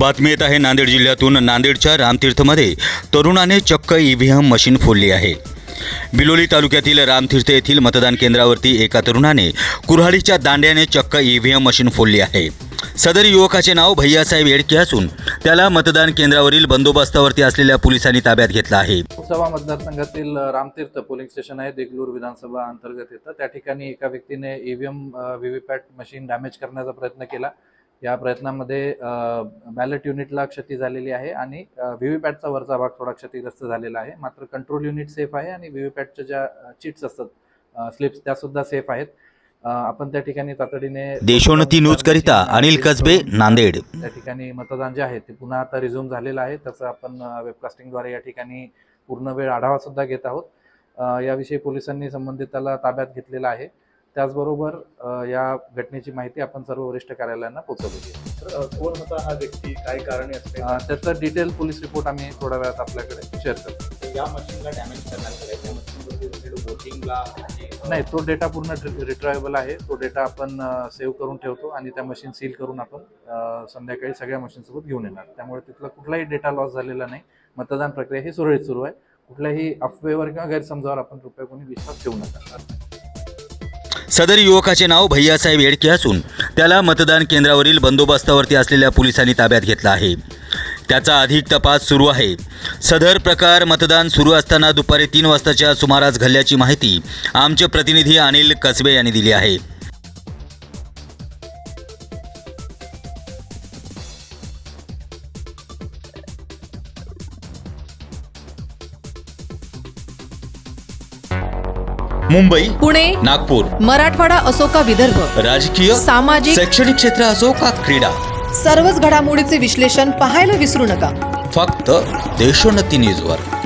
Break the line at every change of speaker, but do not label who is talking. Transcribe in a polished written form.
बातमी येत आहे नांदेड जिल्ह्यातून। नांदेडच्या रामतीर्थमध्ये तरुणाने चक्क ईव्हीएम मशीन फोडली आहे। बिलोली तालुक्यातील रामतीर्थ येथील मतदान केंद्रावरती एका तरुणाने कुऱ्हाडीच्या दांड्याने चक्क ईव्हीएम मशीन फोडली आहे। सदर युवकाचे नाव भैयासाहेब येडके असून त्याला मतदान केंद्रावरील बंदोबस्तावरती असलेल्या पोलिसांनी ताब्यात घेतला आहे।
लोकसभा मतदारसंघातील रामतीर्थ पोलिंग स्टेशन आहे, देगलूर विधानसभा अंतर्गत येतं। त्या ठिकाणी एका व्यक्तीने ईव्हीएम व्हीव्हीपॅट मशीन डॅमेज करण्याचा प्रयत्न केला। या प्रयत्नामध्ये बॅलेट युनिटला क्षती झालेली आहे आणि व्हीव्हीपॅटचा वरचा भाग थोडा क्षतिग्रस्त झालेला आहे। मात्र कंट्रोल युनिट सेफ आहे आणि व्हीव्हीपॅटच्या ज्या चिट्स असतात स्लिप्स त्या सुद्धा सेफ आहेत। आपण त्या ठिकाणी तातडीने
देशोन्नती न्यूज करिता अनिल कसबे, नांदेड।
त्या ठिकाणी मतदान जे आहे ते पुन्हा आता रिझ्यूम झालेलं आहे। त्याचं आपण वेबकास्टिंगद्वारे या ठिकाणी पूर्ण वेळ आढावा सुद्धा घेत आहोत। याविषयी पोलिसांनी संबंधिताला ताब्यात घेतलेला आहे। त्याचबरोबर या घटनेची माहिती आपण सर्व वरिष्ठ कार्यालयांना पोहोचवली आहे।
कोण होता हा व्यक्ती, काय कारणे असते
त्याचं डिटेल पोलीस रिपोर्ट आम्ही थोड्या वेळात आपल्याकडे शेअर करतो।
या मशीनला डॅमेज करण्यात आले, त्या मशीनवरती वोटिंगला
नाही, तो डेटा पूर्ण रिट्रायबल आहे। तो डेटा आपण सेव्ह करून ठेवतो आणि त्या मशीन सील करून आपण संध्याकाळी सगळ्या मशीनसोबत घेऊन येणार। त्यामुळे तिथला कुठलाही डेटा लॉस झालेला नाही। मतदान प्रक्रिया ही सुरळीत सुरू आहे। कुठल्याही अफवेवर किंवा गैरसमजावर आपण कृपया कोणी विश्वास ठेवू नका।
सदर युवकाचे नाव भैयासाहेब येडके असून त्याला मतदान केंद्रावरील बंदोबस्तावरती असलेल्या पोलिसांनी ताब्यात घेतला आहे। त्याचा अधिक तपास सुरू आहे। सदर प्रकार मतदान सुरू असताना दुपारी 3 वाजताच्या सुमारास घडल्याची माहिती आमचे प्रतिनिधी अनिल कसबे यांनी दिली आहे। मुंबई,
पुणे,
नागपूर,
मराठवाडा असो का विदर्भ,
राजकीय,
सामाजिक,
शैक्षणिक क्षेत्र असो का क्रीडा,
सर्वच घडामोडीचे विश्लेषण पाहायला विसरू नका।
फक्त देशोन्नती न्यूजवर।